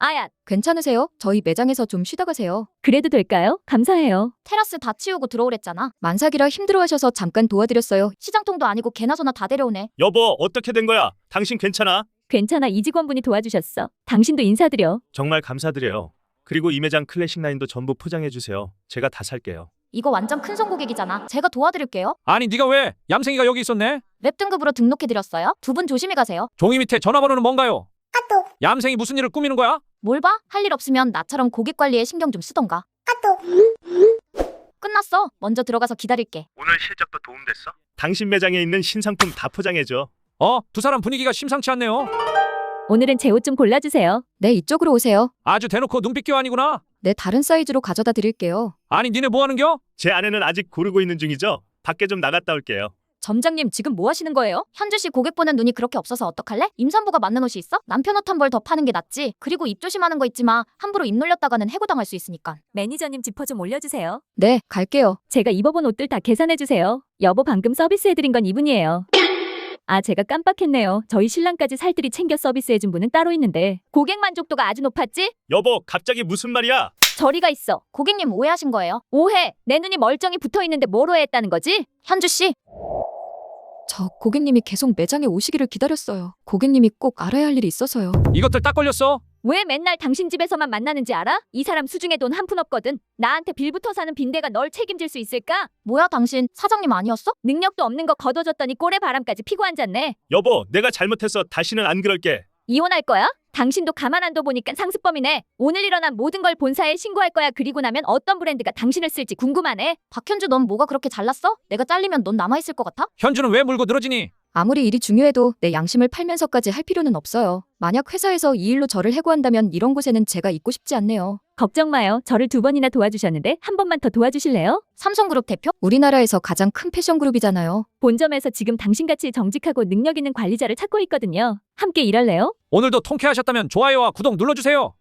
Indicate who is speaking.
Speaker 1: 아야,
Speaker 2: 괜찮으세요? 저희 매장에서 좀 쉬다 가세요.
Speaker 1: 그래도 될까요? 감사해요.
Speaker 3: 테라스 다 치우고 들어오랬잖아.
Speaker 2: 만삭이라 힘들어하셔서 잠깐 도와드렸어요.
Speaker 3: 시장통도 아니고 개나 소나 다 데려오네.
Speaker 4: 여보, 어떻게 된 거야? 당신 괜찮아?
Speaker 1: 괜찮아, 이 직원분이 도와주셨어. 당신도 인사드려.
Speaker 4: 정말 감사드려요. 그리고 이 매장 클래식 라인도 전부 포장해 주세요. 제가 다 살게요.
Speaker 3: 이거 완전 큰손 고객이잖아. 제가 도와드릴게요.
Speaker 5: 아니 네가 왜? 얌생이가 여기 있었네?
Speaker 3: 웹 등급으로 등록해드렸어요. 두 분 조심히 가세요.
Speaker 5: 종이 밑에 전화번호는 뭔가요? 얌생이 무슨 일을 꾸미는 거야?
Speaker 3: 뭘 봐? 할 일 없으면 나처럼 고객 관리에 신경 좀 쓰던가. 끝났어. 먼저 들어가서 기다릴게.
Speaker 4: 오늘 실적도 도움됐어? 당신 매장에 있는 신상품 다 포장해 줘.
Speaker 5: 두 사람 분위기가 심상치 않네요.
Speaker 1: 오늘은 제 옷 좀 골라주세요.
Speaker 2: 네, 이쪽으로 오세요.
Speaker 5: 아주 대놓고 눈빛 교환이구나.
Speaker 2: 네, 다른 사이즈로 가져다 드릴게요.
Speaker 5: 아니 니네 뭐 하는겨?
Speaker 4: 제 아내는 아직 고르고 있는 중이죠? 밖에 좀 나갔다 올게요.
Speaker 2: 점장님, 지금 뭐 하시는 거예요?
Speaker 3: 현주 씨 고객 보는 눈이 그렇게 없어서 어떡할래? 임산부가 맞는 옷이 있어? 남편 옷 한 벌 더 파는 게 낫지. 그리고 입 조심하는 거 있지 마. 함부로 입 놀렸다가는 해고당할 수 있으니까.
Speaker 1: 매니저님 지퍼 좀 올려주세요.
Speaker 2: 네, 갈게요.
Speaker 1: 제가 입어본 옷들 다 계산해주세요. 여보 방금 서비스해드린 건 이분이에요. 아, 제가 깜빡했네요. 저희 신랑까지 살뜰히 챙겨 서비스해준 분은 따로 있는데 고객 만족도가 아주 높았지?
Speaker 4: 여보, 갑자기 무슨 말이야?
Speaker 1: 저리가 있어.
Speaker 3: 고객님 오해하신 거예요.
Speaker 1: 오해. 내 눈이 멀쩡히 붙어있는데 뭘 오해했다는 거지?
Speaker 3: 현주 씨,
Speaker 2: 저 고객님이 계속 매장에 오시기를 기다렸어요. 고객님이 꼭 알아야 할 일이 있어서요.
Speaker 5: 이것들 딱 걸렸어.
Speaker 1: 왜 맨날 당신 집에서만 만나는지 알아? 이 사람 수중에 돈 한 푼 없거든. 나한테 빌부터 사는 빈대가 널 책임질 수 있을까?
Speaker 3: 뭐야 당신 사장님 아니었어?
Speaker 1: 능력도 없는 거 거둬줬더니 꼴에 바람까지 피고 앉았네.
Speaker 4: 여보, 내가 잘못했어. 다시는 안 그럴게.
Speaker 1: 이혼할 거야? 당신도 가만 안 둬보니까 상습범이네. 오늘 일어난 모든 걸 본사에 신고할 거야. 그리고 나면 어떤 브랜드가 당신을 쓸지 궁금하네.
Speaker 3: 박현주 넌 뭐가 그렇게 잘났어? 내가 잘리면 넌 남아있을 것 같아?
Speaker 5: 현주는 왜 물고 늘어지니?
Speaker 2: 아무리 일이 중요해도 내 양심을 팔면서까지 할 필요는 없어요. 만약 회사에서 이 일로 저를 해고한다면 이런 곳에는 제가 있고 싶지 않네요.
Speaker 1: 걱정 마요. 저를 2번이나 도와주셨는데 한 번만 더 도와주실래요?
Speaker 3: 삼성그룹 대표?
Speaker 2: 우리나라에서 가장 큰 패션 그룹이잖아요.
Speaker 1: 본점에서 지금 당신같이 정직하고 능력 있는 관리자를 찾고 있거든요. 함께 일할래요?
Speaker 5: 오늘도 통쾌하셨다면 좋아요와 구독 눌러주세요.